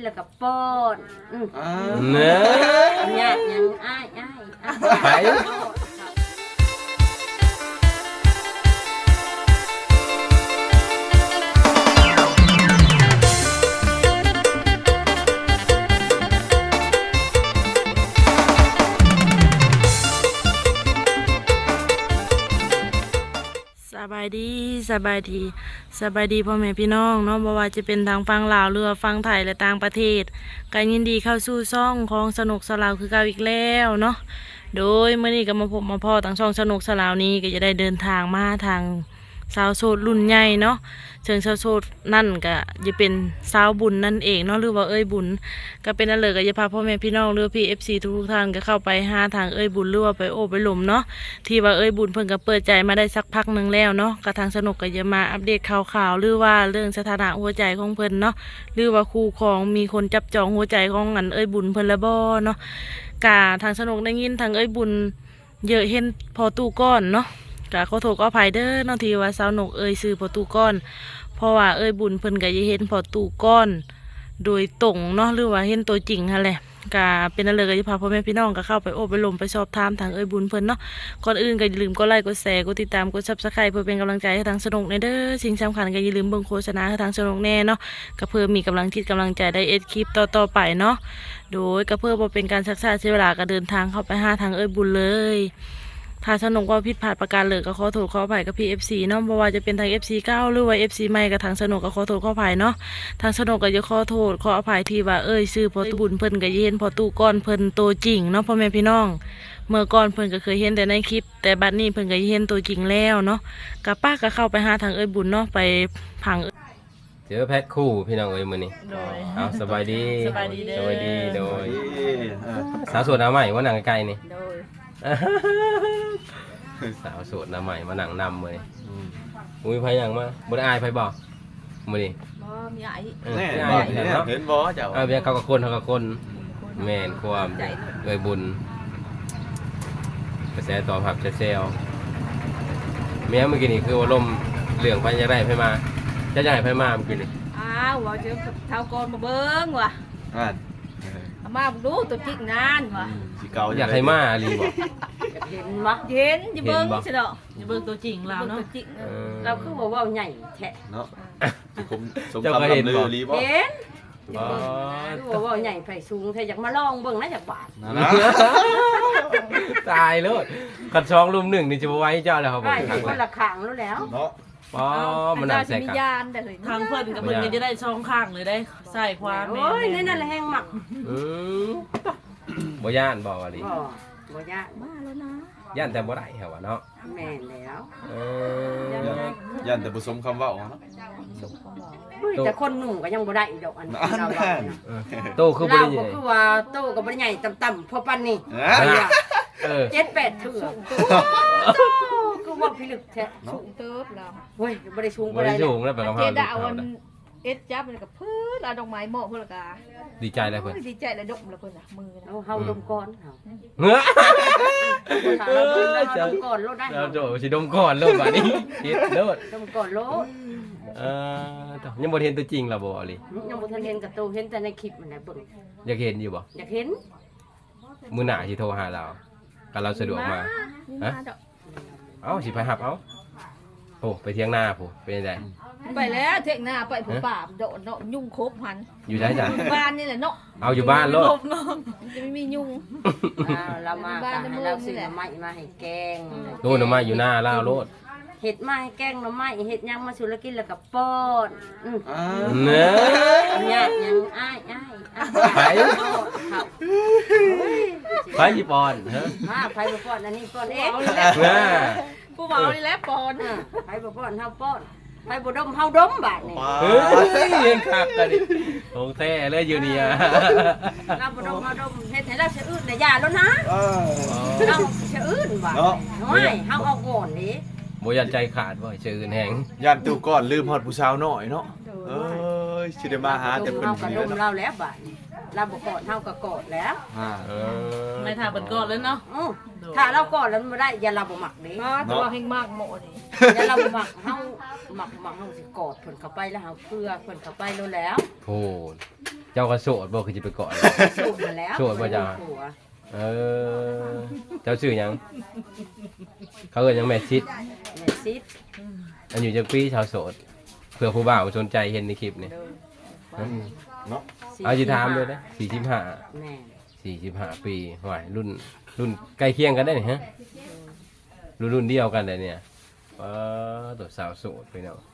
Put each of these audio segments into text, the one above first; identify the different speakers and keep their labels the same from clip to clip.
Speaker 1: แล้วก็ป้อน
Speaker 2: เนื้อ
Speaker 1: เนี่ยยังอ้าย
Speaker 2: ไป
Speaker 3: สบายดีพ่อแม่พี่น้องเนาะบ่ว่าจะเป็นทางฟังลาวหรือฟังไทยและต่างประเทศก็ยินดีเข้าสู่ช่องของสนุกสลาวคือเก่าอีกแล้วเนาะโดยเมื่อนี้ก็มาพบมาพ่อทางช่องสนุกสลาวนี้ก็จะได้เดินทางมาทางสาวโสดรุ่นใหญ่เนาะเชิงสาวโสดนั่นก็จะเป็นสาวบุญนั่นเองเนาะหรือว่าเอ้ยบุญก็เป็นนั่นเลยก็จะพาพ่อแม่พี่น้องหรือพี่ FC ทุกท่านก็เข้าไปหาทางเอ้ยบุญหรือว่าไปโอบไปหลมเนาะที่ว่าเอ้ยบุญเพิ่นก็เปิดใจมาได้สักพักนึงแล้วเนาะก็ทางสนุกก็จะมาอัปเดตข่าวๆหรือว่าเรื่องสถานะหัวใจของเพิ่นเนาะหรือว่าคู่ครองมีคนจับจองหัวใจของอันเอ้ยบุญเพิ่นละบ่เนาะกะทางสนุกได้ยินทางเอ้ยบุญเยอะเห็นพอตู้ก้อนเนาะกะขอโทษขออภัยเด้อเนาะที่ว่าสาวนกเอ้ยซื้อพอตู้ก้อนเพราะว่าเอ้ยบุญเพิ่นก็จะเห็นพอตู้ก้อนโดยตรงเนาะหรือว่าเห็นตัวจริงหั่นแหละก็เป็นนั่นเลยก็จะพาพ่อแม่พี่น้องก็เข้าไปโอบไปลมไปสอบถามทางเอ้ยบุญเพิ่นเนาะก่อนอื่นก็อย่าลืมกดไลค์กดแชร์กดติดตามกด Subscribe เพื่อเป็นกำลังใจให้ทางสนุกในเด้อสิ่งสำคัญก็อย่าลืมเบิ่งโฆษณาให้ทางสนุกแน่เนาะก็เพื่อมีกำลังจิตกำลังใจได้เอ็ดคลิปต่อไปเนาะโดยก็เพื่อบ่เป็นการชักช้าเสียเวลาก็เดินทางเข้าไปหาทางเอ้ยบุญเลยถ้าสนุกว่าผิดพลาดประการเลยก็ขอโทษขออภัยกับพี่ FC เนาะเพราะว่าจะเป็นทาง FC เก่าหรือว่า FC ใหม่กับทางสนุกก็ขอโทษขออภัยเนาะทางสนุกก็จะขอโทษขออภัยที่ว่าเอ้ยซื้อพอตู้บุญเพิ่นก็เห็นพอตู้ก้อนเพิ่นตัวจริงเนาะพ่อแม่พี่น้องเมื่อก่อนเพิ่นก็เคยเห็นแต่ในคลิปแต่บัดนี้เพิ่นก็เห็นตัวจริงแล้วเนาะกับป้าก็เข้าไปหาทางเอ้ยบุญเนาะไปผัง
Speaker 2: เจอแพ็คคู่พี่น้องเอ้ยมื้อนี้
Speaker 3: โดย
Speaker 2: เอาสบายดี
Speaker 3: สบายดีเด้อ
Speaker 2: สบายดีโดยสาวโสดหน้าใหม่ว่าหนังไกลนี่
Speaker 3: โดย
Speaker 2: สาวโสดหน้าใหม่มาหนังนำเลยอุ้ยไผหยังมาบ่ได้อายไผบ่มื้อนี้
Speaker 4: บ่มีไอ้
Speaker 2: แน่
Speaker 5: เห็นบ่เจ้า
Speaker 2: เบียเขากับคนแม่นความเอ้ยบุญกระแสตอบรับแซวๆเมียเมื่อกี้นี่คือว่าลมเหลืองไปจะได้ไผมาจะให้ไผมาเมื่อกี้นี่
Speaker 4: อ้าวว่าจะเท่าก่อนมาเบิ่งว่ะ
Speaker 5: อ่าน
Speaker 4: เอามาดูตัวจริงนานว่ะ
Speaker 5: สิเก่า
Speaker 2: อยากให้มาลีบ่
Speaker 1: เห็นบ่
Speaker 4: เห็นจะเบิ่งใช่ดอก
Speaker 3: จะเบิ่งตัวจริงเราเนาะ
Speaker 4: ตัวจริง
Speaker 1: เราคือบอกว่าใหญ่แท้
Speaker 5: เนาะสิผมสมคำลำลือรีบ่
Speaker 1: เห็น
Speaker 2: อ๋อ
Speaker 1: คือบอกว่าใหญ่ไผสูงแท้อยากมาลองเบิ่งนะจักบาท
Speaker 5: นะ
Speaker 2: ตายเลยขัดช่องรุมหนึ่งนี่จะบ่ไหว้เจ้าแล้วครับผ
Speaker 1: ใช่
Speaker 2: ม
Speaker 1: คนละข้างแล้วแล้ว
Speaker 5: เนาะ
Speaker 2: อ๋อมันน่าแสก
Speaker 4: มี
Speaker 2: กัน
Speaker 4: ยานแต่เฮ้ย
Speaker 3: ทางเพิ่นกับเพิ่นก็จะได้ช่องข้างเลยได้ใส่ความ
Speaker 1: โอ้ยนั่นแหละแห้งหมัก
Speaker 2: อืมบ่ย่านบ่ว่าดิ
Speaker 1: บ่ยาก
Speaker 4: มาแล้วนะ
Speaker 2: ย่านแต่บ่ได้เหรอวะเนาะ
Speaker 1: แม่นแล้ว
Speaker 2: เอ
Speaker 5: ยันแต่ผสมคำเว้าเนาะ
Speaker 1: แต่คนหนุ่มก็ยังบ่ได้อีกดอกอันเรา
Speaker 2: โตคือบ่
Speaker 1: เรา
Speaker 2: ได้ยิ
Speaker 1: ก็
Speaker 2: น
Speaker 1: คือว่าโตก็บ่ได้ใหญ่ต่ำๆพอปานนี้
Speaker 2: เออ
Speaker 1: 7-8เถื่อคือว่าพิลึกแท้
Speaker 4: สูงเติบแล้ว
Speaker 1: เว้ยบ่ได้สูง
Speaker 2: บ่
Speaker 1: บ่
Speaker 2: ได้
Speaker 1: ได้
Speaker 2: สูงแล้วไปกับ
Speaker 4: เจ
Speaker 2: เฮา
Speaker 4: ดาวันเอ็ดจับมันกับพืชเอาดอกไม้เหมาะเพิ่นละกา
Speaker 2: ดีใจแล้วเพิ่น
Speaker 4: ดีใจแล้วดกแล้วเพิ่นน่ะมือนะ
Speaker 1: เฮาดมก่อนเฮา
Speaker 2: เฮ้อ
Speaker 1: เราดมก่อนโลดได้
Speaker 2: เราโจสิดมก่อนโลดบัดนี้คิดโลด
Speaker 1: ดมก่อนโลด
Speaker 2: ยังบ่เห็นตัวจริงล่ะบ่อลิ
Speaker 1: ยังบ่ทันเห็นกับโตเห็นแต่ในคลิปมันน่ะเบิ่ง
Speaker 2: อยากเห็นอยู่บ่
Speaker 1: อยากเห็น
Speaker 2: มื้อหน้าสิโทรหาเราก็เราสะดวกมา
Speaker 4: มาดอก
Speaker 2: เอ้าสิไปหับเอ้าโอ้ไปเที่ยงหน้าผู้เป็นจังได๋
Speaker 4: ไปแล้วเทคหน้าไปผู้ป่าโดดเนาะยุ่งครบหัน
Speaker 2: อยู่ได้จ้ะ
Speaker 4: บ้านนี่แหละเนาะ
Speaker 2: เอาอยู่บ้านโลด
Speaker 4: มันจะไม่มียุ่ง
Speaker 1: เรามาให้เราซื้อไม้มาให้แกง
Speaker 2: โน่นน่ะมาอยู่หน้าลาวโลด
Speaker 1: เห็ดมาให้แกงหน่อไม้เห็ดยังมาสุรกินแล้วก็ป้อน
Speaker 2: เนื้อ
Speaker 1: เนี่ยยังอ้าย
Speaker 2: ไป
Speaker 1: ครับ
Speaker 2: ไปญี่ปุ่นฮะ
Speaker 1: มาไปบ่ป้อนอันนี้ป้อนเอง
Speaker 4: ผู้เมานี่แหละปอน
Speaker 1: ไปบ่ป้อนเฮาป้อนไปบ่ดมเฮาดมบาดนี่
Speaker 2: เฮ้ยยังคักกันดิโงแท้เลยอยู่นี่อ่ะ
Speaker 1: เราบ่ดมเฮาดมเฮ็ดให้เราสะอื้นน่ะอย่าแล้วนะเราสะอื้นบาดน้อยเฮาเอาก่อนนี่
Speaker 2: บ่ยันใจขาดบ่ชื่ออื่นแฮง
Speaker 5: ยันตู้ก่อนลืมฮอดผู้สาวน้อยเนาะเอ้ยสิได้มาหาแต่เพิ่น
Speaker 1: เฮาก็
Speaker 5: เสี
Speaker 1: ด
Speaker 5: ย
Speaker 1: ม
Speaker 5: เนาะ
Speaker 1: เราแล้วบาดนี่เราบ่กอดเฮาก็กอดแล้ว
Speaker 2: เออ
Speaker 3: ไม่ทาเปิดก่อนเลยเนาะ
Speaker 1: ถ้าเรากอดแล้วมันบ่ได้อย่าเราบ่มักเด้
Speaker 4: มาตัวเฮงมากโมนี่
Speaker 1: อย่าเราบ่มักเฮามักเฮาสิกอดเพิ่นเข้าไปแล้วเฮาเพื่อเพิ่นเข้าไปแล้ว
Speaker 2: โพดเจ้าก็โสดบ่คือสิไปเกาะ
Speaker 1: สูบมาแล้ว
Speaker 2: โสดบ่จ้ะ
Speaker 1: ผัว
Speaker 2: เออเจ้าชื่อหยังเขาเอิ้นหยังแม่ชิด
Speaker 1: แม่ซิด
Speaker 2: อายุจักปีชาวโสดเผื่อผู้บ่าวสนใจเห็นในคลิปนี่
Speaker 5: เนาะ
Speaker 2: เอาสิถามเลยนะ45
Speaker 1: แม่
Speaker 2: 45 ปีหวายรุ่นใกล้เคียงกันได้นี่ฮะรุ่นเดียวกันเลยเนี่ยตัวสาวโสดไปเนาะ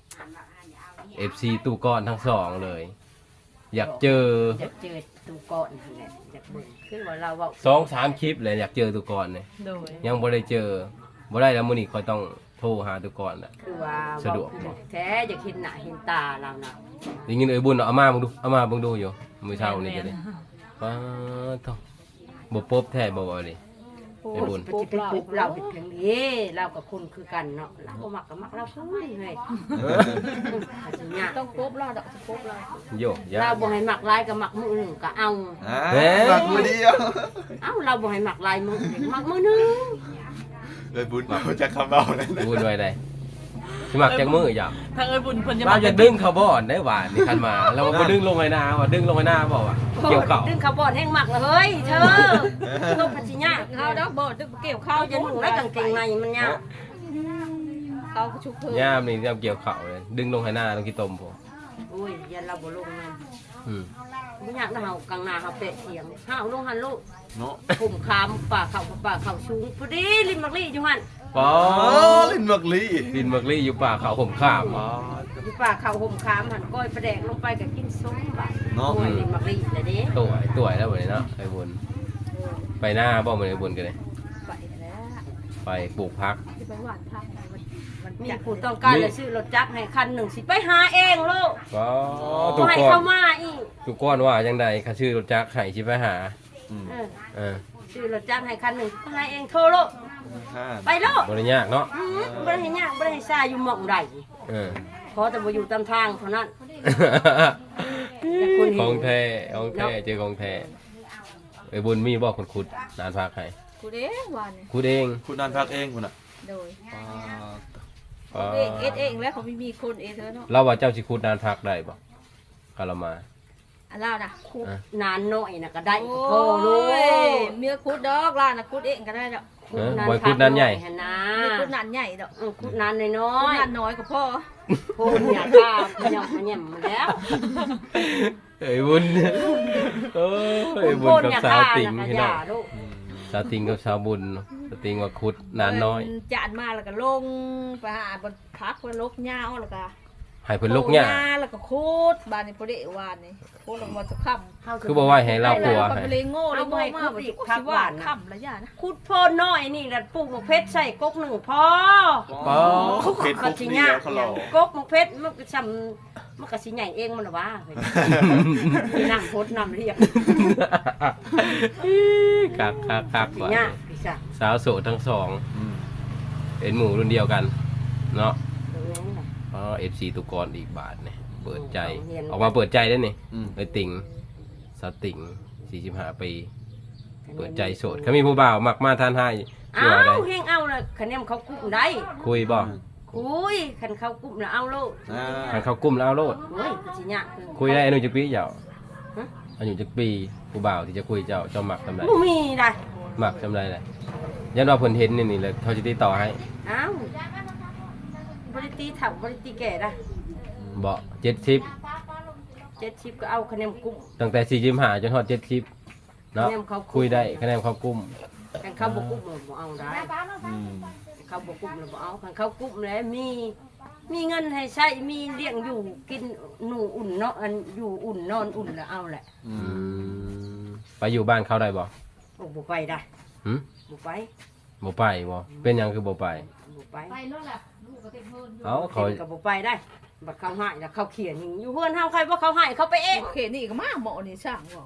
Speaker 2: FC ตู้ก้อนทั้งสองเลย อยากเจอ
Speaker 1: อยากเจอตูก่อนนั่นแหละอยากเบิ่งคือว่าเราเว้า
Speaker 2: 2-3 คลิปเลยอยากเจอตู้ก้อนเนี่ย
Speaker 4: โดย
Speaker 2: ยังบ่ได้เจอบ่ได้แล้วมื้อนี้ค่อยต้องโทรหาตู้ก้อนน่ะ
Speaker 1: คือว่า
Speaker 2: สะดวกบ่
Speaker 1: แท้อยากเห็นหน้าเห็นตาเราน่ะ
Speaker 2: ได้ยินบุญเอามาเบิ่งดูอยู่มื้อเช้านี่ก็ได้ว้าทบ่ปบแท้บ่ว่าดิไอ้บุญ
Speaker 1: ปฏิปุบเราเป็นเพียงนี้เรากับคุณคือกันเนาะเราก็มักกับมักเราคือเฮ้ยอาจจะยาก
Speaker 4: ต้องกบเราดอกกบเรา
Speaker 2: โยยา
Speaker 1: เราบ่ให้มักลายกับมักมือหนึ่งก็เอา
Speaker 5: บักมือเดียว
Speaker 1: เอ้าเราบ่ให้มักลายมือหนึ่งมักมือหนึ่ง
Speaker 5: เลยบุญเอาจากคำเอานั่น
Speaker 2: บุญไว้ได้สิมักจักมืออย่า
Speaker 3: ทางเอ้ยบุญเพิ่นจะ
Speaker 2: เราจะดึงเขาบ่อนได้หวานนี่คันมาแล้วมันบ่ดึงลงไอ้นาว่าดึงลงไอ้นาบ่ว่าเกี่ยวเข่า
Speaker 1: ดึงเขาบ่อนแห้งมักเลยเฮ้ยเธอต้องพัชิญา
Speaker 4: เขาดอกบ่ตึกเกี่ยว
Speaker 1: เขา
Speaker 4: ข้าว
Speaker 1: จะหนุ่งได้กางเกงในมันยาก
Speaker 4: เขาชุบเพิ่ม
Speaker 2: ย่ามนี่เกี่ยวเข่าเลยดึงลงไอ้นาต้องกี่ตมผม
Speaker 1: โอ้ยยันเราบ่ลงนั่น
Speaker 2: อืม
Speaker 1: บ่อยากเฮากลางนาเฮาเปะเถียงเฮาลงหันลูก
Speaker 5: เนาะ
Speaker 1: ผมคามป่าเขาสูงพอดีริมมักลี่อยู่หั่น
Speaker 2: ป๋อ
Speaker 5: ลิ้นบักลี
Speaker 2: ดินมักลี่อยู่ป่าเขาผมข้าม
Speaker 1: อยู่ป่าเขาห่มคามหั่นก้อยประแดกลงไปก็กินส้มบาดโอ้ยริมมักลี่แหละเด้
Speaker 2: ตัวแล้วบ่นี่เนาะไอ้บุญไปหน้าบ่มื้อไอ้บุญกันเลย
Speaker 4: ไปแล้ว
Speaker 2: ไปปลูกพัก
Speaker 4: ที่ไปหวานทางมัน
Speaker 1: มีผู้ต้องการเลยซื้อรถจักรให้คันหนึ่งสิไปหาเองลูก
Speaker 2: ก็
Speaker 1: บ่
Speaker 2: ทุก
Speaker 1: ให้
Speaker 2: คน
Speaker 1: เข้ามาอีก
Speaker 2: ทุกคนว่าจังได๋ข้าชื่อรถจักรให้สิไปหา
Speaker 1: เออ
Speaker 2: เออ
Speaker 1: ซื้อรถจักรให้คันหนึ่งไปหาเองโทรลูกไปลูก
Speaker 2: บ่ได้ยากเนาะ
Speaker 1: บ่ได้ให้ยากบ่ได้ให้ซาอยู่หม่องใด
Speaker 2: เออ
Speaker 1: ขอแต่บ่อยู่ตามทางเท่านั้น แต่คนเห็น
Speaker 2: ของแท้เจอของแท้ไอ้บุญมีบ่คนขุดนานพักให้
Speaker 4: กูเด้หวานเนี่ย
Speaker 2: ขุดเอง
Speaker 5: คุณนันพักเองคุณอ่ะ
Speaker 4: โดย
Speaker 2: อ๋อ
Speaker 4: เองเองแล้วเขาไม่มีคนเองเธอเนาะ
Speaker 2: เราว่าเจ้าสิขุดนานพักได้บ่กะละมา
Speaker 4: อันเล่านะ
Speaker 1: นานน้อยน่ะก็ได้
Speaker 4: โอ้
Speaker 1: โทรลูก
Speaker 4: ยเมียคุดดอกล่านะคุดเองก็ได้ดอก
Speaker 2: เออบ่ขุดนานใหญ่
Speaker 1: หั่นนะ
Speaker 4: เมียคุดนานใหญ่ดอก
Speaker 1: ขุดนานน้อ
Speaker 4: คุด
Speaker 1: ย
Speaker 4: นานน้อยกับพ่อ
Speaker 1: ๆพูดเนี่ยกล้าพยำมันมาแล้ว
Speaker 2: ไอ้บุญโอ้ยไอ้บุญกับสาวติ่งพี่น้อง
Speaker 1: ลูก
Speaker 2: สาวติ่งกับสาวบุญสาวติ่งว่าขุดนานน้อย
Speaker 4: จานมาแล้วก็ลงไปหาบนพักบนลกเหย้าแล้วก็
Speaker 2: ให้เพิ่นลกหญ้า
Speaker 4: แล้วก็คูดบานนี่พอดีวานนี่คูดลงมาจะค่ำ
Speaker 2: คือบ่ว่าให้เราผัว
Speaker 4: ก็
Speaker 2: ให้
Speaker 4: ไปเลยโง่เลยโง่มากว่าจะคิดว่าค่ำละย่านะ
Speaker 1: ขุดโพนน้อยนี่ดัดปลูกมะเพชรใส่กกหนึ่งพอ
Speaker 5: อ๋อเผ็ดคุกเดียวเขาหลอก
Speaker 1: กกมะเพชรมันก็ซ้ำมันก็สิใหญ่เองมันหรอวะเฮ้ยนั่งโพดนำเรียก
Speaker 2: คัก
Speaker 1: สิ
Speaker 2: ว่ะ
Speaker 1: ยากพี่จ้ะ
Speaker 2: สาวโสดทั้งสองเป็นหมู่รุ่นเดียวกันเนาะอ๋อ FC ตุกรอีกบาทเนี่ยเปิดใจออกมาเปิดใจได้นี่ไอ้ติ่งสาวติ่ง45ปีเปิดใจโสดเขามีผู้บ่าวมักมาทานให้ชื่อว่า
Speaker 1: เอา
Speaker 2: ได้
Speaker 1: เฮงเอาเลยคะแนนเขากุ้มได้
Speaker 2: คุยบ่
Speaker 1: คุยคันเขากุ้มแล้วเอาลูก
Speaker 2: ให้เขากุ้มแล้วเอาโลด
Speaker 1: โอ้ยสิยาก
Speaker 2: คุยได้อายุจักปีเจ้าอายุจักปีผู้บ่าวที่จะคุยเจ้ามักทำไร
Speaker 1: บ่มีได้
Speaker 2: มักทำไรเลยยันว่าเพิ่นเห็นนี่เลยเขาจะติดต่อให้
Speaker 1: เอ้าบริตีเถ่าบริตีแก่ได้
Speaker 2: บ่70
Speaker 1: 70ก็เอาคะแนนกุ้ม
Speaker 2: ตั้งแต่45จนฮอด70เนาะ
Speaker 1: คะแนนเขากุ้ม
Speaker 2: คุยได้คะแนนเขากุ้ม
Speaker 1: คันเขาบ่กุ้มเราบ่เอาได้เขาบ่กุ้มเราบ่เอาคันเขากุ้มแล้วมีเงินให้ใช้มีเลี้ยงอยู่กินหนูอุ่นเนาะอันอยู่อุ่นนอนอุ่นแล้วเอาแหละ
Speaker 2: ไปอยู่บ้านเขาได้บ่
Speaker 1: โอ้บ่ไปได้
Speaker 2: หึ
Speaker 1: บ่ไป
Speaker 2: บ่ไปบ่เป็นหยังคือบ่ไป
Speaker 1: บ่ไป
Speaker 4: ไปแล้วแหละลูกก็เต็มเพิ่น
Speaker 2: เอ้าเขา
Speaker 1: ก็บ่ไปได้บัดเขาให้แล้วเขาเขียนอยู่เฮือนเฮาใครบ่เขาให้เขาไปเอง
Speaker 4: เขตนี่ก็มาหมอนี่ช่างว่า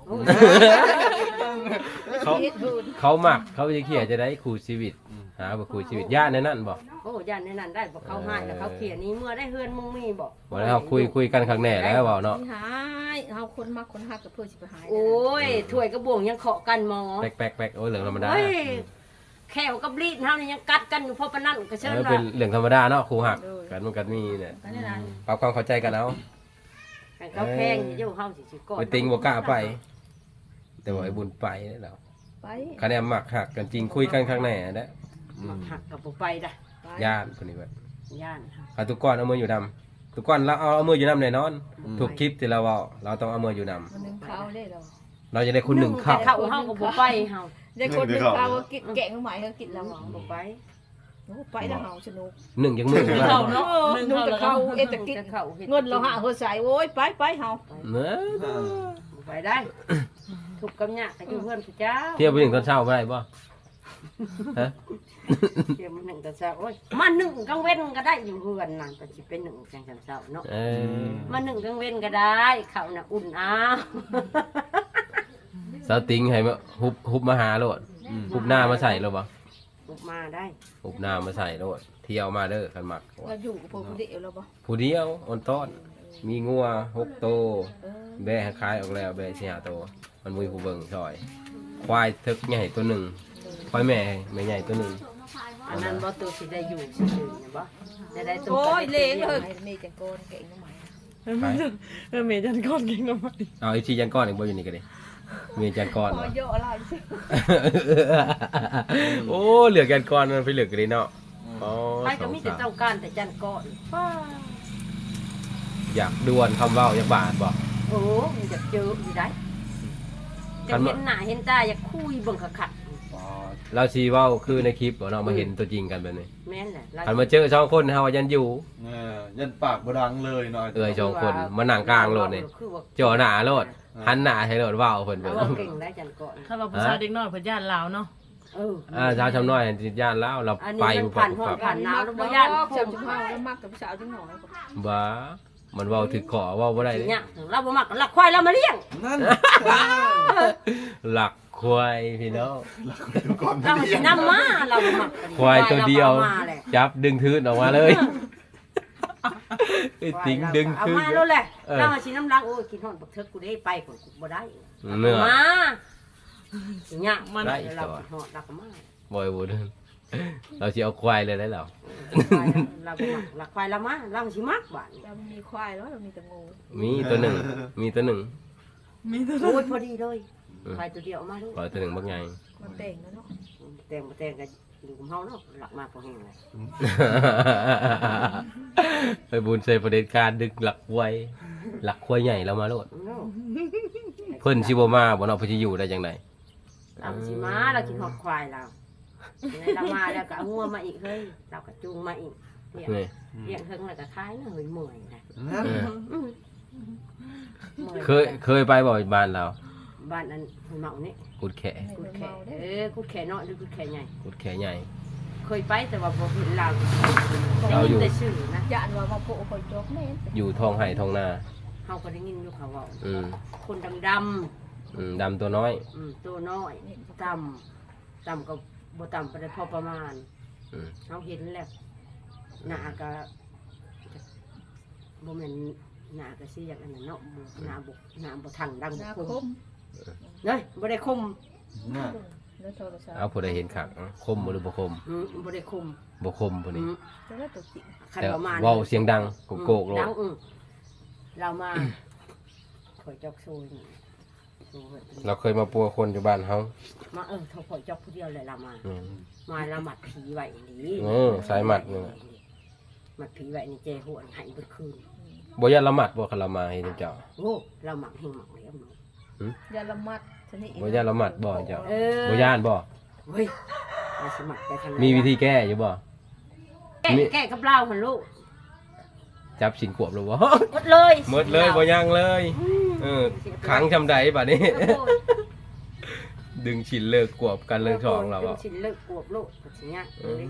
Speaker 2: เขา
Speaker 4: เฮ็ดเพิ่น
Speaker 2: เขามักเขาจะเขียนจะได้คู่ชีวิตหาบ่คู่ชีวิตญาติในนั้นบ่
Speaker 1: โอ้ย่านในนั้นได้บ่เขาให้แล้วเขาเขียนนี้เมื่อได้เฮือนมึงมีบ่
Speaker 2: บ่ได้เฮาคุยกันครั้งแน่แล้วเว้าเนาะ
Speaker 4: หายเฮาคนมักคนฮักกับเพื่อสิไปหาย
Speaker 1: โอ้ยถ้วยกระบวงยังเคาะกันหมอ
Speaker 2: แป๊กๆๆโอ้ยเรื่องธรรมดา
Speaker 1: โอ้ยแขวกับลีดเฮานี่ยังกัดกันอยู่เพราะปานนั้นก็เชิญ
Speaker 2: เป็
Speaker 1: ว่า
Speaker 2: นเรื่องธรรมดาเนาะครูหักกันมันก็มีเนี่ย
Speaker 4: กันนี่นะ
Speaker 2: ปรับความเข้าใจกันเอา
Speaker 1: ให้เขาแพงอยู่เฮาสิก่อน
Speaker 2: ไอ้ติงบ่กล้าไป แต่ว่าไอ้บุญไปแล้ว
Speaker 4: ไป
Speaker 2: คะแนนหมักหักกันจริงคุยกันข้างในนะ
Speaker 1: มักหักกับบ่ไปได้
Speaker 2: ย่านคนนี้แบบ
Speaker 1: ย่าน
Speaker 2: เอาทุกก้อนเอามืออยู่นำทุกก้อนเราเอามืออยู่นำแน่นอนทุกคลิปที่เราเอาเราต้องเอามืออยู่นำ
Speaker 4: มันนึงข้าวได้เรา
Speaker 2: เราจะได้คนหนึ่งเข้า
Speaker 1: เข้าเฮาก็บ่ไปเฮา
Speaker 4: ได้คนนึงข้าวก็กินแกงใหม่ก็กินแล้ว
Speaker 1: บ่ไป
Speaker 4: ไปแล้วเฮาสนุก
Speaker 2: หนึ่งยังมืออยู่
Speaker 3: เข้า
Speaker 2: นำ
Speaker 3: เนาะ
Speaker 4: นุ่งแต่ข้าวเอ็ดแต่กินเงินเราหาเฮาใส่โอ้ยไปเฮา
Speaker 2: เนื้อ
Speaker 1: บ่ไปได้ทุกข์กับยากก็อยู่เพื่อนพระเจ้า
Speaker 2: เที่ยวไปถึงตอนเช้าไม่ได้ป่ะฮะ
Speaker 1: เที่ยวมัน1ตอนเช้าโอ้ยมา1กลางเว้นก็ได้อยู่เฮือนนั่นก็สิเป็น1จังเช้าเนาะ
Speaker 2: เออ
Speaker 1: มา1กลางเว้นก็ได้ข้าวน่ะอุ่นอ้าว
Speaker 2: สาวติงให้มาฮุบมาหาโลดฮุบหน้ามาใส่โลดบ่
Speaker 1: บุกมาได้
Speaker 2: ฮุบหน้ามาใส่โลดเที่ยวมาเด้อคันมัก
Speaker 4: เราอยู่กับพวกเดียวเราบ่
Speaker 2: ผู้เดียวออนต้อนมีงัว6โตวแบะขายออกแล้วแบะ4-5โตวมันมีผู้เบิ่งซอย ควายทึกใหญ่ตัวหนึ่งควายแม่ใหญ่ตัวหนึ่ง
Speaker 1: อันนั้นบ่ตัวสิได้อยู่ซื่อๆเนี่ยบ่ได้ตัว
Speaker 4: โอ้ย
Speaker 1: ก็
Speaker 4: เล้
Speaker 1: ได้
Speaker 4: ง
Speaker 1: ตัว
Speaker 4: เฮ้ยมีจังโกนแกงใหม่
Speaker 3: เมย์จันก้อนเก่งมาก
Speaker 2: เอาไอ้ชีจันก้อนอีกบ่อยู่นี่ก็ดิมีจันก้อน
Speaker 4: พ
Speaker 2: เหร
Speaker 4: อ
Speaker 2: อ
Speaker 4: เยอะอะไรสิ
Speaker 2: โอ้เหลือจันก้อนมันไปเหลือกันเลยเนาะอ๋อ
Speaker 1: ไปก็มีแต่ต้องการแต่จันก่อน
Speaker 2: อยากดวลคำเว้าอยากบาดบ่
Speaker 1: โอ้มันจะเจออยู่ได้จะเห็นหน้าเห็นตาอยากคุยเบิ่งขัด
Speaker 2: เราชีเว้าคือในคลิปบ่เนาะมาเห็นตัวจริงกันแบบนี้
Speaker 1: ๆแม่นแหละ
Speaker 2: คันมาเจอ2คนเฮาว่ายันอยู่
Speaker 5: ยันปากบ่ดังเลยหน่อย
Speaker 2: เอ้ย2คนมานั่งกลางโลดนี่
Speaker 1: คือว่า
Speaker 2: จ่อหน้าโลดหันหน้าให้โลดเว้าเพิ่น
Speaker 1: เอา
Speaker 2: เบิ่ง
Speaker 1: ว่าเก่งได้จันก่อน
Speaker 3: ถ้าเราผู้ชายเด็กน้อยเพิ่นญาติลาวเนาะ
Speaker 2: ชาวชำน้อยติดย่านแล้วเรา
Speaker 1: อัน
Speaker 2: ไป
Speaker 1: นี้มันผ่านห้อง
Speaker 2: ครับ
Speaker 1: ผ่านหนาวแล้วบ่
Speaker 4: บ่
Speaker 1: ย่าย
Speaker 4: าน น
Speaker 1: โค
Speaker 4: เจ้า
Speaker 1: ม
Speaker 4: จุ๊บเฮาแล้วมักกับสาวจังหน่อย
Speaker 2: บ้ามันเว้าถึกขอเว้าบ่ได้
Speaker 1: สิ
Speaker 2: เด้
Speaker 1: เนี่ยเราบ่มักหลักควายเรามาเลี้ยง
Speaker 5: นั่น
Speaker 2: หลักควายพี่น้อง
Speaker 5: ก่อน
Speaker 1: เราสินำมาเราบ่มัก
Speaker 2: ควายตัวเดียว
Speaker 1: รามาแหละ
Speaker 2: จับดึงทืนออกมาเลยไอ้ติ๋งดึง
Speaker 1: เอา
Speaker 2: ทืน
Speaker 1: มาแล้วแหละ
Speaker 2: เออ
Speaker 1: เรามาสิน้ำลังโอ้ยกินฮอดบักเทิกกูได้ไปคนกูบ่ได้
Speaker 2: เนื้อ
Speaker 1: มาเนี่ย
Speaker 3: มัน
Speaker 2: ได้
Speaker 1: เรากินฮอดเราก็มา
Speaker 2: บ่อยบ่เดินเราสิเอาควายเลยได้แล้ว
Speaker 1: เราบ่มักหลักควายเรามาเราสิมักบ้าน
Speaker 4: เรามีควายแล้วเรามีแต่งู
Speaker 2: มีตัวหนึ่งมีตัวหนึ่ง
Speaker 1: โอ้ยพอดีเลยควายตัวเดียวมาด้วย
Speaker 2: ปล่อยตัวหนึ่งบักใหญ่
Speaker 4: มันแต่งแล้วเนาะ
Speaker 1: แต่งบ่แต่งกันอยู่กับเฮาเนาะหลักมากกว่าแห้งเลย
Speaker 2: ไปบุญใส่ประเด็นการดึงหลักควายหลักควายใหญ่เรามาโลด
Speaker 1: เนาะ
Speaker 2: เพิ่นสิบ่มาบ่เนาะเพิ่นสิอยู่ได้จังได๋
Speaker 1: เราสิมาเรากินฮอดควายเราในเรามาแล้วก็เอางัวมาอีกเฮ้ยเราก็จูงมาอีกเลี้ยง
Speaker 2: นี่
Speaker 1: เลี้ยงเฮิงแล้วก็ขายเนาะเฮ้ยเมื่อยนะ
Speaker 5: นั่น
Speaker 1: อืมมื่อ
Speaker 2: เคยไปบ่บ้านเรา
Speaker 1: บ้านนั้นเฮยเมานี่
Speaker 2: กุดแข
Speaker 1: กุดแขกุดแขน้อยหรือกุดแขใหญ่
Speaker 2: กุดแขใหญ่
Speaker 1: เคยไปแต่ว่าบ่เห็นเรา
Speaker 2: เราอยู่
Speaker 1: ได้ยินแต่ชื่อนะ
Speaker 4: ยานว่ามาโผล่คนจกแม่น
Speaker 2: อยู่ท้องไห่ท้องนา
Speaker 1: เฮาก็ได้ยินอยู่เขาเว้า
Speaker 2: อืม
Speaker 1: คนดำ
Speaker 2: ดำตัวน้อย
Speaker 1: ตัวน้อยต่ำก็บ่ต่ำไปได้พอประมาณ
Speaker 2: อืม
Speaker 1: เฮาเห็นแล้วหน้าก็บ่แม่นหน้าก็สิอย่างนั้นน่ะเนาะหน้าบ่ทันดัง
Speaker 4: หน้า
Speaker 1: บ่
Speaker 4: ค
Speaker 1: คม
Speaker 4: ม
Speaker 1: เฮ้ยบ่ได้คม
Speaker 5: น่ะ
Speaker 4: แล้วโทรศัพท์
Speaker 2: เอาผู้ใดเห็นขักคมบ่หรือบ่คม
Speaker 1: บ่ได้คม
Speaker 2: บ่คมผู้นี้
Speaker 4: จะได้ตัวจริง
Speaker 1: คัน
Speaker 2: แต่
Speaker 1: ประมาณ
Speaker 2: เว้าเสียงดังโกกๆโล
Speaker 1: ดั
Speaker 2: ด
Speaker 1: งเรามาถอยจอกโซยนี่โซ่เว้ย
Speaker 2: เราเคยมาปัวคนอยู่บ้านเฮา
Speaker 1: มาถอยจอกผู้เดียวเลยเรามา
Speaker 2: อืม
Speaker 1: มาละหมัดผีไว้นี่
Speaker 2: สายหมัดนี่แหละ
Speaker 1: หมัดผีไว้นี่เจหัวหายเบิดคืน
Speaker 2: บ่ยันละหมัดบ่คันละมาเฮ็ดเจ้า
Speaker 1: โอ้เราหมักเฮงหมักแล้วเนาะ
Speaker 4: ยาละมัดชนิด
Speaker 2: บ่ยันละหมัดบ่เจ้า
Speaker 1: เออ
Speaker 2: บ่ย่านบ่
Speaker 1: เฮ้ยเราสมัครไปทางไหน
Speaker 2: มีวิธีแก้อยู่บ่
Speaker 1: แก้กับเราหันลูก
Speaker 2: จับสินขวบหรือบ่
Speaker 1: หมดเลย
Speaker 2: หมดเลยบ่ยังเลยขังจำใดบัดนี้ ดึงฉินเลิกกวบกันเรื่องสองเรา
Speaker 1: เป็
Speaker 2: อ่ะ
Speaker 1: นชิ้นเลิกกวบลูกแบบนี้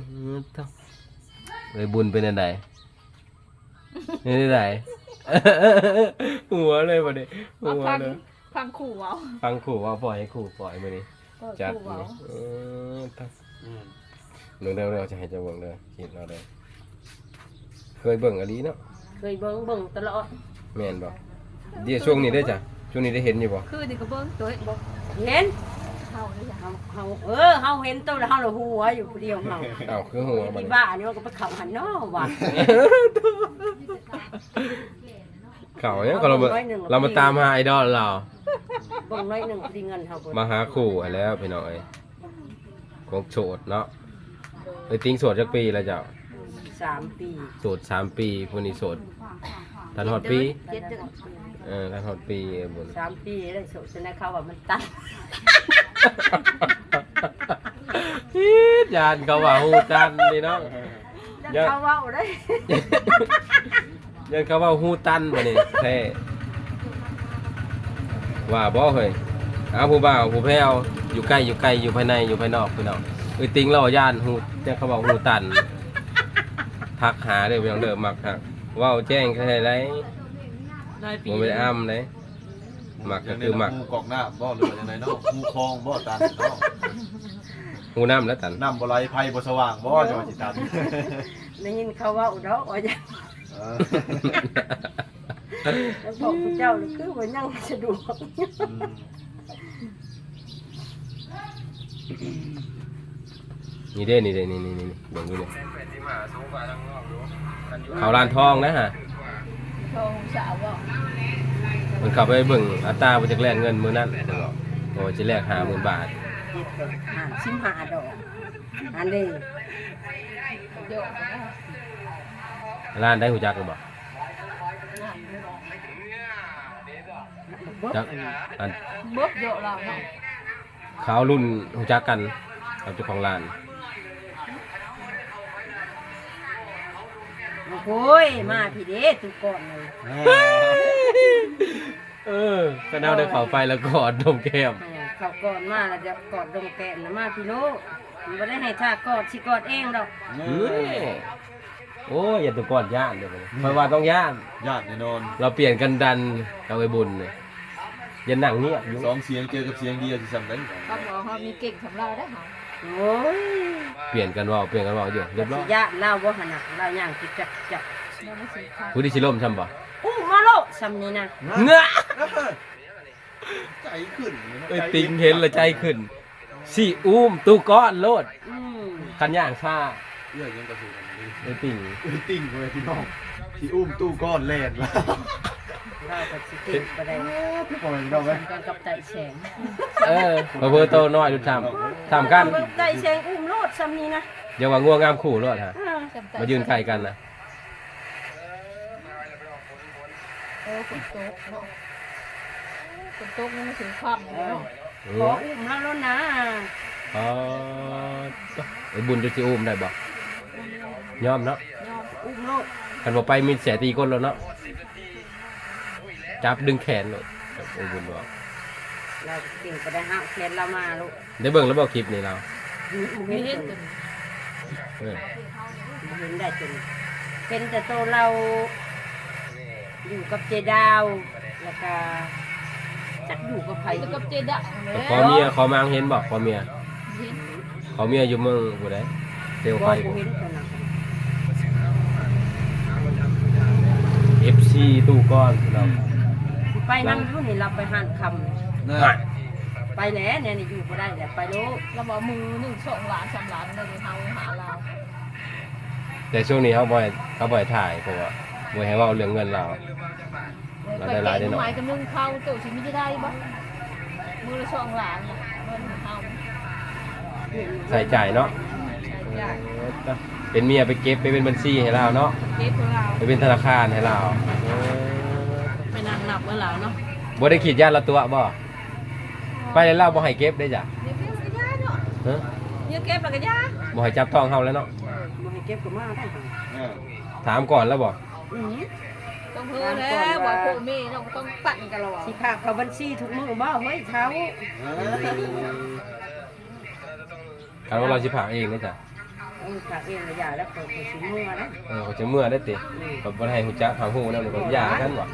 Speaker 2: เลยบุญเป็นอันใดเป็นอันใดหัวเลยบัดนี้หัว
Speaker 4: ฟัง
Speaker 2: เลย
Speaker 4: ฟังขู่เอา
Speaker 2: ฟังขู่ว่าปล่อยให้ขู่ปล่อยมื้อนี้จัด
Speaker 4: ขู่
Speaker 2: นี่
Speaker 4: เอา
Speaker 2: เรื่องเร็วๆจะให้เจะเบิ่งเลยคิดเราเลยเคยเบิ่งอันนี้เนาะ
Speaker 1: เคยเบิ่งตลอด
Speaker 2: แม่นบ่เดี๋ยวช่วงนี้ได้จ้ะช่วงนี้ได้เห็นอยู่บ่
Speaker 4: คือนี่ก็เบิ้งตัวบอก
Speaker 1: เห็น
Speaker 4: เข้าเลยจ้ะ
Speaker 1: เฮาเฮาเห็นตัวแล้วเฮาละหัวอยู่ผู้เดียวเฮา
Speaker 2: อ้าวคือหัวบัด
Speaker 1: ที่
Speaker 2: นี้
Speaker 1: บ้านนี่มันก็ไปเข้าหันเนาะว่ะ
Speaker 2: เขาเนี่ยเรามาตามหาไอดอลเรา
Speaker 1: เบิ่งน้อยหนึงสิเงินเฮาเบิด
Speaker 2: มาหาคู่ให้แล้วพี่น้อยของโสดเนาะไอ้ติ้งโสดจักปีแล้วเจ้า
Speaker 1: 3 ปี
Speaker 2: โสด3 ปีผู้นี้โสดทันฮอดปี
Speaker 1: เจ็ดเดือน
Speaker 2: ทันฮอดปีบุญ
Speaker 1: 3 ปีได้โสดฉะนั้นเขาว่ามันตัน
Speaker 2: ยานเขาว่าฮู้จันนี่เนาะ
Speaker 1: ยังเขาเว้าได้
Speaker 2: ยันเขาว่าฮู้ตันบ่นี่แท้ว่าบ่เฮ้ยหาผู้บ่าวผู้แพ้วอยู่ใกล้อยู่ภายในอยู่ภายนอกพี่น้องเอ้ยติ้งเราย่านฮู้แต่เขาว่าฮู้ตันทักหาเด้อพี่น้องเด้อมักฮักเว้าแจ้งแค่ไหน
Speaker 3: ได้ปี
Speaker 2: บ่ได้อ้ำเลยมักก็คือมัก
Speaker 5: งูกอกหน้าบ่หรือว่าจังไดเนาะงูคลองบ่ตันเนาะ
Speaker 2: ฮู้น้ำแล้วตัน
Speaker 5: น้ำบ่ไหลไผบ่สว่างบ่จังว่าสิตัน
Speaker 1: ได้ยินเขาเว้าดอกว่าจะ
Speaker 5: เออ
Speaker 1: แล้วบอกผู้เจ้านี่คือว่ายังสะดวก
Speaker 2: นี่เด้นี่เบิ่งดูนี่เขาลานทองนะฮะ
Speaker 4: โทรสาวบ่
Speaker 2: มันเข้าไปเบิ่งอัตราบ่จักแลกเงินมื้อนั้นจังบอกว่าสิแลก50,000 บาท
Speaker 1: 15 ดอกอันนี้
Speaker 4: เดี๋ยว
Speaker 2: ร้านได้หูจักหรือเปล่าจักอัน
Speaker 4: เบิกเยอะแล้วเนาะ
Speaker 2: เขารุ่นหูจักกันกับเจ้าของร้าน
Speaker 1: โอ้ยมาพี่เด้ตุกก่อนเลย
Speaker 2: ก็น่าได้เข้าไปแล้วกอดนมแก้ม
Speaker 1: เขาก่อนมาแล้วจะกอดดงแกนนะมาพี่โลมันไม่ได้ให้ท่ากอดสิกอดเองดอก
Speaker 2: โอ้ยอย่าตัวกอดย่านเดี๋ยวมันเพราะว่าต้องย่าน
Speaker 5: ญาติแน่นอน
Speaker 2: เราเปลี่ยนกันดันเอาไปบุญเนี่ยอย่าหนังเงียบอยู่
Speaker 5: สองเสียงเจอกับเสียงเดียวสิซ้ำได้
Speaker 4: เขาบอกเขามีเก่งสำเราได้เหรอ
Speaker 1: โอ้ย
Speaker 2: เปลี่ยนกันว่าอยู่เรียบร้อย
Speaker 1: ญาติเล่าว่าขนาดเล่าย่างจิกจัก
Speaker 4: เราไม่สิค่ะ
Speaker 2: ผู้ที่ชิล่มช่ำบ่
Speaker 1: อู้มาโลซ้ำนี้นะ
Speaker 2: เนื้อ
Speaker 5: ใจขึ้น
Speaker 2: เอ้ยติงเห็นและใจขึ้นสิอุ้มตู้ก้อนโลด
Speaker 1: อืม
Speaker 2: คันย่างซ่า
Speaker 5: เอื้อยังกระสุนกันนี่
Speaker 2: ไอ้ติ่ง
Speaker 5: ติ่งเลยพี่น้องที่อุ้มตู้ก้อนแล่นแล้ว
Speaker 1: เล่ากับสิเก่งไปได้
Speaker 5: พี่ปล่อยพี่น้องไหม
Speaker 1: ทำกันกับไต่แสง
Speaker 2: มาเบอร์โตน้อยดูทำกัน
Speaker 1: ไต่แสงอุ้มโลดซ้ำนี้นะ
Speaker 2: อย่าว่าง่วงงามขู่โลดฮะ
Speaker 1: อ่า
Speaker 2: มายืนใกล้กันนะ
Speaker 4: ฝนตกเนาะฝนตกนี่มันถึงความเลยเนาะ
Speaker 1: ขออุ้มแล้วนะ
Speaker 2: อ๋อไอ้บุญจะสิอุ้มได้บ่ยอมเนาะ
Speaker 1: อุ้มโลด
Speaker 2: คันบ่ไปมีแสตีก้นแล้วเนาะจับดึงแขนเลยไอ้บุญบอก
Speaker 1: เราเก่งไปได้ห้าแขนเรามาลูก
Speaker 2: ได้เบิ่งแล้วบ่คลิปนี้เรา
Speaker 1: ไม่
Speaker 4: มี
Speaker 1: เห็
Speaker 4: เห็
Speaker 1: น
Speaker 4: น
Speaker 1: จ
Speaker 4: ตัวน
Speaker 2: เออ
Speaker 1: เห็นได้จนเป็นแต่ตัวเราอยู่กับเจดาวแล้วก็จักอยู่กับไผ
Speaker 4: แล้วกับเจดะ
Speaker 2: แต่ขอเมียขอมางเห็นบ่ขอเมีย
Speaker 4: เห็น
Speaker 2: ขอเมียอยู่เมืองผู้ใดเซล
Speaker 1: บ่
Speaker 2: ไฟ
Speaker 1: เห็นตัวนั้น
Speaker 2: FC ตู้ก้อนเรา
Speaker 1: สิไปนั่งอยู่นี่เราไปหันค
Speaker 5: น่ะ
Speaker 1: ำไปแล้วเนี่ยนี่อยู่บ่ได้แต่ไปลูก
Speaker 4: เราบอกมือ1 2 ล้าน 3 ล้านเราเลยเฮาหาเรา
Speaker 2: แต่ช่วงนี้เขาบ่อยถ่ายเพราะว่าบ่ให้เว้าเรื่องเงินเรา
Speaker 4: ไปแกะหมายกับนึ่งเข้าตัวชีวิตได้บ่มือละ2 ล้านน่ะเงินเฮา
Speaker 2: ใส่จ่ายเนาะ
Speaker 4: ใช่
Speaker 2: เป็นเมียไปเก็บไปเป็นบัญชีให้เราเนาะ
Speaker 4: เก็บของเรา
Speaker 2: ไปเป็นธนาคารให้เรา
Speaker 3: ไปนั่งนับเมื่อแล้วเนาะ
Speaker 2: บ่ได้ขีดญาติละตัวบ่ไปแล้วเราบ่ให้เก็บได้จ้ะ
Speaker 4: เดี๋ยวเก็บกระยาเนาะ
Speaker 2: ฮะ
Speaker 4: เดี๋ยวเก็บแล้วกระยา
Speaker 2: บ่ให้จับต้องเฮาแล้วเนาะ
Speaker 1: บ่ให้เก็บก็มาได้ค่ะ
Speaker 2: ถามก่อนแล้วบ่
Speaker 1: อือ
Speaker 4: ต้องเฮือแล้วว่าพ่อแม่เราก็ต้องปั่นกันแล้วอ่ะ
Speaker 1: สิพาเข้าบัญชีทุกมื้อบ่เฮ้ยเช้า
Speaker 2: คันว่าเราสิพากเองนะจ้ะ
Speaker 1: ฝากเองระยะแล้วก็สิมื้อนะ
Speaker 2: เขาจะเมื่อได้ติก็บ่ได้ให้ฮู้จักทางฮู้นำก็ยากันบ่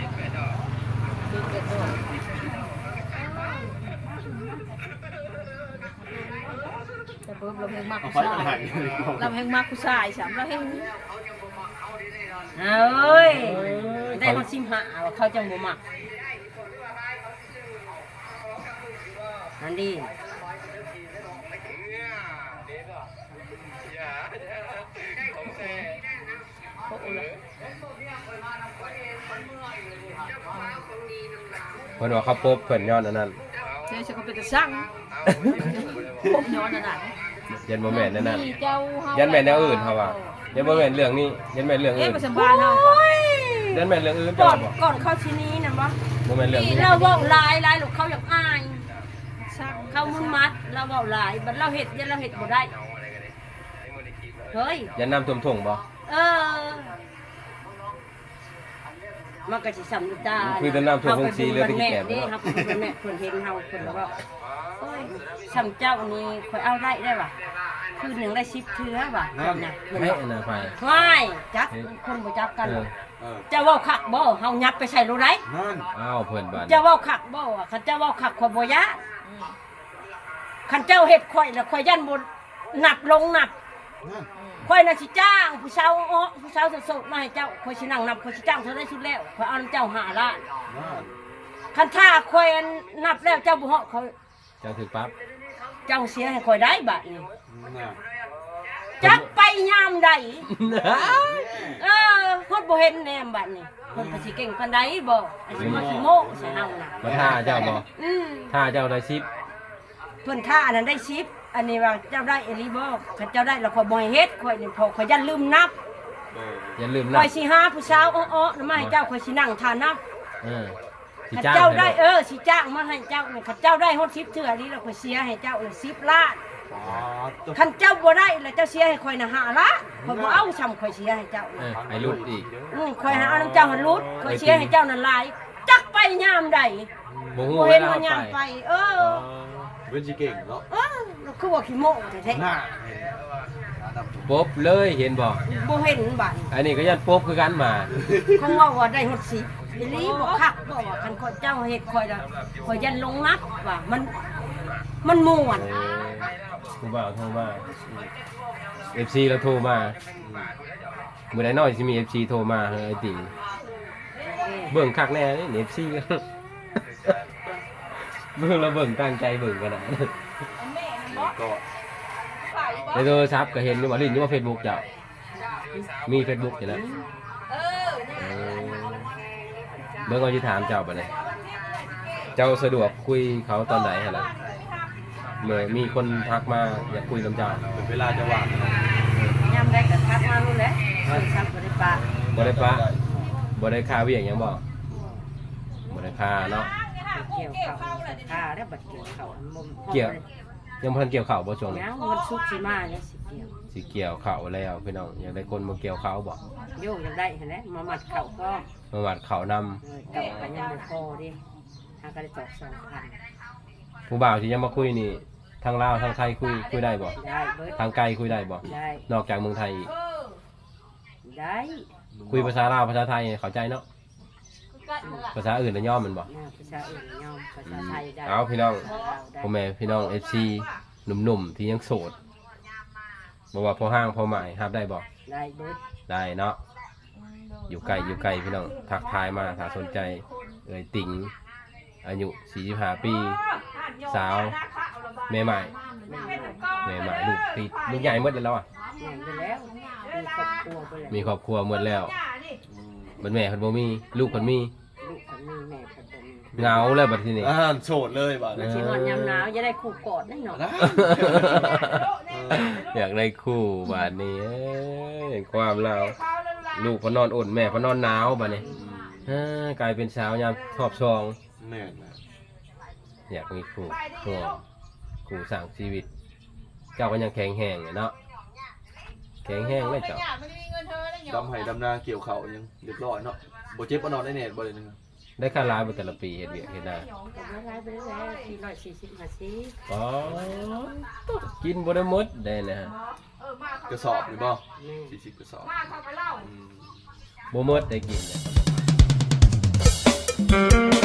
Speaker 4: แต่เพิ่มเราแห่งมากผู้ชายเราแห่งมากผู้ชายสามเราแห่ง
Speaker 1: เอ้ยได้เขาชิมหาว่าเขาจังบ่มักอันนี้
Speaker 4: โอ้โห
Speaker 2: เพิ่นว่าเขาปบเพิ่นย้อนอันนั้น
Speaker 4: เดี๋ยวฉันก็เป็นตะสั่งผมย้อนอันนั้น
Speaker 2: ยันบ่แม่นนั่นนั่น
Speaker 4: มีเจ้าเฮา
Speaker 2: ยันแม่นแนวอื่นเขาว่ายันบ่แม่นเรื่องนี้ยันแม่นเรื่อง
Speaker 4: เอ๊ะ
Speaker 2: อื่น
Speaker 4: ประจำบ้านเฮาก่อน
Speaker 2: ยันแม่นเรื่องอื่น
Speaker 1: ก่
Speaker 2: จ้ะ
Speaker 1: อน
Speaker 2: บ่
Speaker 1: ก่อนเข้าชิ้นนี้นะบ่
Speaker 2: บ่แม่นเรื่องนี้
Speaker 1: เราเว้าหลายลูกเขาอยากอาย
Speaker 4: สั่ง
Speaker 1: เขามุนมัดเราเว้าหลายบัดเราเฮ็ดยันเราเฮ็ดบ่ได้เฮ้ย
Speaker 2: ยันน้ำท่วมท่งบ่
Speaker 1: เออมันก็สิสำนึกได้
Speaker 2: คือแต่น้ำท่วมคงสีเลือดตะกี้แก่บ่
Speaker 1: นี่
Speaker 2: เนาะ
Speaker 1: ครับเพิ่นแม่เพิ่นเห็นเฮาเพิ่นว่าโอ้ยสำเจ้านี่ข่อยเอาได้ว่ะคืนหนึงได้10เทื่อว่ะเพิ่นน่ะเพิ่น
Speaker 2: ให้
Speaker 1: ว่า
Speaker 2: อันน่ะไป
Speaker 1: ไม่จักคนบ่จักกัน
Speaker 2: เออ
Speaker 1: เจะเว้าคักบ่เฮายับไปใส่โลได้
Speaker 2: อ้าวเพิ่นบาด
Speaker 1: เจะเว้าคักบ่อะคันเจ้าเว้าคักข่อยบ่ยะคันเจ้าเฮ็ดข่อยแล้วข่อยยันบ่นับลงนับข่อยน่ะสิจ้างผู้สาวผู้สาวโสดๆมาให้เจ้าข่อยสินั่งนับข่อยสิจ้างเท่าได้สุดแล้วข่อยเอานำเจ้า5ล้านคันถ้าข่อยนับแล้วเจ้าบ่เหาะข่อย
Speaker 2: เจ้าถึกปั๊บ
Speaker 1: เจ้าเสียให้ข่อยได้บัดนี้จักไปยามใดฮอดบ่เห็นแนมบัดนี้เพิ่นก็สิเก่งปานใดบ่อันสิมาสิโม้ใส่เฮาน่ะ
Speaker 2: มาท่าเจ้าบ่
Speaker 1: อืม
Speaker 2: ท่าเจ้าได้10
Speaker 1: เพิ่นท่าอันนั้นได้10อันนี้ว่าเจ้าได้เอลิบ่คันเจ้าได้แล้วข่อยบ่ให้เฮ็ดข่อยนี่พอข่อยยันลืมนับ
Speaker 2: อย่าลืม
Speaker 1: ข่
Speaker 2: นะ
Speaker 1: อยสิหาผู้สาวอ้อๆนำมาให้เจ้าข่อยสินั่งทานับ
Speaker 2: สิ
Speaker 1: คัน
Speaker 2: จ้าง
Speaker 1: เจ้าได้
Speaker 2: ให้
Speaker 1: สิจ้างมาให้เจ้านี่คันเจ้าได้ฮอด10เทื่อนี้แล้วข่อยเสียให้เจ้านี่10ล้านคันเจ้าบ่ได้แล้วเจ้าเสียให้ข่อยน่ะ5ล้านข่อยบ่เอาซ้ำข่อยเสียให้เจ้านี่
Speaker 2: ให้รุดอีก
Speaker 1: ข่อยหาเอาน้ำเจ้าหันรุดข่อยเสียให้เจ้านั่นหลายจักไปยามใด
Speaker 2: บ่ฮู้
Speaker 1: บ่
Speaker 2: เว
Speaker 1: เห็น
Speaker 2: ลา
Speaker 1: ว่ายาม
Speaker 2: ไป
Speaker 1: ไป
Speaker 5: เว้นสิเก่งเนาะ
Speaker 1: คือว่าขี้โม้แท้
Speaker 5: น่า
Speaker 2: ปบเลยเห็นบ่
Speaker 1: ๆบ่เห็นบัด
Speaker 2: อันนี้ก็ยันปบคือกันมา
Speaker 1: เขาว่าได้ฮอด10อีหลีบ่คักบ่ว่าคันข่อยเจ้าเฮ็ดข่อยละข่อยยันลงนักว่ามันม่วน
Speaker 2: ครูบ่าวโทรมา FC แล้วโทรมามื้อใดน้อยสิมี FC โทรมาเฮ้ยไอ้ติ่งเบิ่งคักแน่นี่ FC เบิ่งแล้วเบิ่งตั้งใจเบิ่งกันน่ะ
Speaker 5: ก็
Speaker 2: ในโทรศัพท์ก็เห็นอยู่ว่าลิ้นอยู่ว่า Facebook เจ้ามี Facebook อยู่แล้วเบิ่งเอาสิถามเจ้าบัดนี้เจ้าสะดวกคุยเขาตอนไหนหั่นล่ะเมื่อมีคนทักมาอยากคุยกับเจ้า
Speaker 5: เป็นเวลาจะว่าง
Speaker 1: ยามใดก็ทักมานู่นแหละซ้ำบ่ได้ปะ
Speaker 2: บ่ได้ปะบ่ได้ค่าเวียงหยังบ่บ่ได้ค่าเนาะ
Speaker 1: เกี่ยวข้าวค่าแล้วบัดเกี่ยวข้าวมุม
Speaker 2: เกี่ยว ยังบ่ทันเกี่ยวข้าวบ่ช่วงนี้
Speaker 1: ยังวันศุกร์สิมาเนี่ยสิเกี่ยว
Speaker 2: สิเกี่ยวข้าวแล้วพี่น้องอยากได้คนมาเกี่ยวข้าวบ่
Speaker 1: โยกยังได้เห็นไหมมามัดเข่าก็
Speaker 2: มาวัดข้าวนำ
Speaker 1: เก่ากันยังไม่พอดิทางก็ได้ตอก2,000
Speaker 2: ผู้บ่าวที่ยังมาคุยนี่ทางลาวทางไทยคุยได้บ่
Speaker 1: ได้เบิด
Speaker 2: ทางไกลคุยได้บ่
Speaker 1: ได้
Speaker 2: นอกจากเมืองไทยอีก
Speaker 1: ได้
Speaker 2: คุยภาษาลาวภาษาไทยเข้าใจเนาะภาษาอื่นน่ะย่อมมันบ่
Speaker 1: ภาษาอื่นยอมภาษาไทยได้
Speaker 2: เอาพี่น้อง
Speaker 1: ได้
Speaker 2: พ่อแม่พี่น้อง FC หนุ่มๆที่ยังโสดบ่ว่าพอห้างพอหมายรับได้บ่
Speaker 1: ได้เบิด
Speaker 2: ได้เนาะอยู่ไกลพี่น้องทักทายมาถ้าสนใจเอ่ยติ๋งอายุ45ปีสาวแม่ใหม่ลูกติดลูกใหญ่หมดแล้วอ่ะ
Speaker 1: แม่นไปแล้วมีครอบครัวไปแล้ว
Speaker 2: มีครอบครัวหมดแล้วบัดแม่เพิ่นบ่มีลูกเพิ่นมี
Speaker 1: ลูกคนมีแม่คนบ่มี
Speaker 2: เหงาเลยบัดทีนี้
Speaker 5: โสดเลยบ่
Speaker 1: มันสิฮอดยามหนาวจะได้คู่กอดแน่นอน
Speaker 2: อยากได้คู่บาดนี้เอ้ยความเราลูกเพนนอนอดแม่เพนนอนหนาวบาดนี้กลายเป็นสาวยามชอบซอง
Speaker 5: แม่น
Speaker 2: อยากมีคู่คู่สร้างชีวิต เจ้าก็ยังแข็งแห้งอยู่เนาะแข็งแห้งเลยเจ้า
Speaker 5: ดำไห้ดำนาเกี่ยวเขายังเรียบร้อยเนาะบ่เจ็บบ่นอนได้แน่บ่เลยนึง
Speaker 2: ได้ค่าร้ายบ่แต่ละปีเฮ็ดเวียกเฮ็ดได้
Speaker 1: ก็บ่ได้ไปแล้ว440 50
Speaker 2: อ๋อกินบ่ได้หมดได้นะฮะ
Speaker 5: กระสอบนี่บ่40กระสอบ
Speaker 2: บ่หมดได้กินเนี่ย